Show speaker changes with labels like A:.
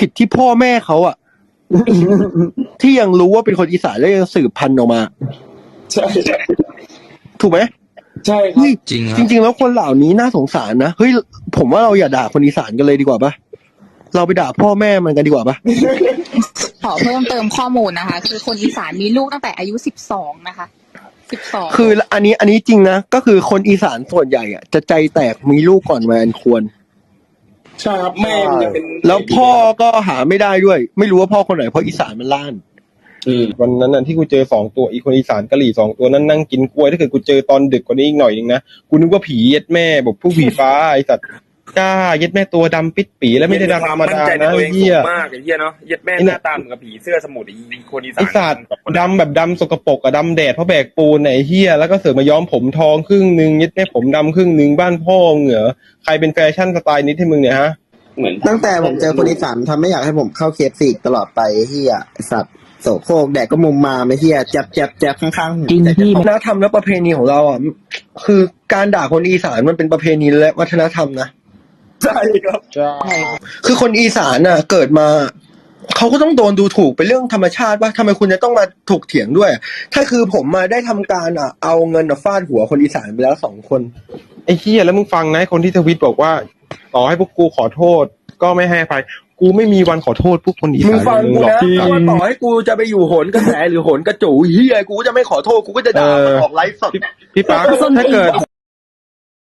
A: ผิดที่พ่อแม่เขาอ่ะ ที่ยังรู้ว่าเป็นคนอีสานแล้วยังสืบพันธุ์ออกมา
B: ใช่
A: ถูกไหม
B: ใช่ครั
A: เฮ้
B: บ
A: ย
C: จริงค
A: จ
C: รับ
A: ริงๆแล้วคนเหล่านี้น่าสงสารนะเฮ้ยผมว่าเราอย่าด่าคนอีสานกันเลยดีกว่าปะเราไปด่าพ่อแม่มันกันดีกว่าปะ
D: ขอเพิ่มเติมข้อมูลนะคะ คือคนอีสานมีลูกตั้งแต่อายุ12นะคะ12
A: คืออันนี้จริงนะก็คือคนอีสานส่วนใหญ่อ่ะจะใจแตกมีลูกก่อนวัยอันควร
B: ใช่ครับแม่มันจะเป็น
A: แล้วพ่อก็หาไม่ได้ด้วย ไม่รู้ว่าพ่อคนไหนเพราะอีสานมันล้าน
E: วันนั้นน่ะที่กูเจอ2ตัวอีคนอีสานกะหรี่2ตัวนั้นนั่งกินกล้วยถ้าเกิดกูเจอตอนดึกกว่านี้อีกหน่อยนึงนะกูนึกว่าผีเย็ดแม่บอกผู้ผีฟ้าไอ้สัตว์กล้าเย็ดแม่ตัวดำปิดปีแล้วไม่ได้ดำธรรมดานะ
F: ตัวเอง
E: เหี้ย
F: สูงมากไอ้เหี้ยเนาะเย็ดแม่หน้าตาเหมือนกับผีเสื้อสมุทรไอ้คนอีสา
E: ไอ้
F: น
E: สัตว์ดำแบบดำสกปรกอะดำแดดเพราะแบกปูนไหนเหี้ยแล้วก็เสือกมาย้อมผมทองครึ่งนึงเย็ดแม่ผมดำครึ่งนึงบ้านพ่อเหงอใครเป็นแฟชั่นสไตล์นี้ให้มึงเนี่ยฮะ
B: เหมือน
G: ตั้งแต่ผมเจอคนอีสานทำไม่อยากให้ผมเข้าเคฟซีตลอดไปเฮียไอ้สัตว์โสโครกแดกก็มุมมาไม่เฮียแจ๊บข้างๆหู
H: จริงพี่
A: วัฒนธรรมและประเพณีของเราอ่ะคือการด่าคนอีสานมันเป็นประเพณีและวัฒนธรรมนะ
B: ใช่ครับ
E: ใช่
A: คือคนอีสานน่ะเกิดมาเขาก็ต้องโดนดูถูกเป็นเรื่องธรรมชาติว่าทำไมคุณจะต้องมาถกเถียงด้วย ถ้าคือผมมาได้ทำการเอาเงินฟาดหัวคนอีสานไปแล้ว2 คน
E: ไอ้เหี้ยแล้วมึงฟังนะคนที่ทวิตบอกว่าต่อให้พวกกูขอโทษก็ไม่ให้อภัยกูไม่มีวันขอโทษพวกคนอี
A: มึง
E: สาน
A: ฟังกู
E: หรอก
A: นะว่าต่อให้กูจะไปอยู่โหนกระแสหรือโหนกระจูเฮียกูก็จะไม่ขอโทษกูก็จะด่ามันออกไลฟ์สด
E: พี่ปั๊กถ้าเกิด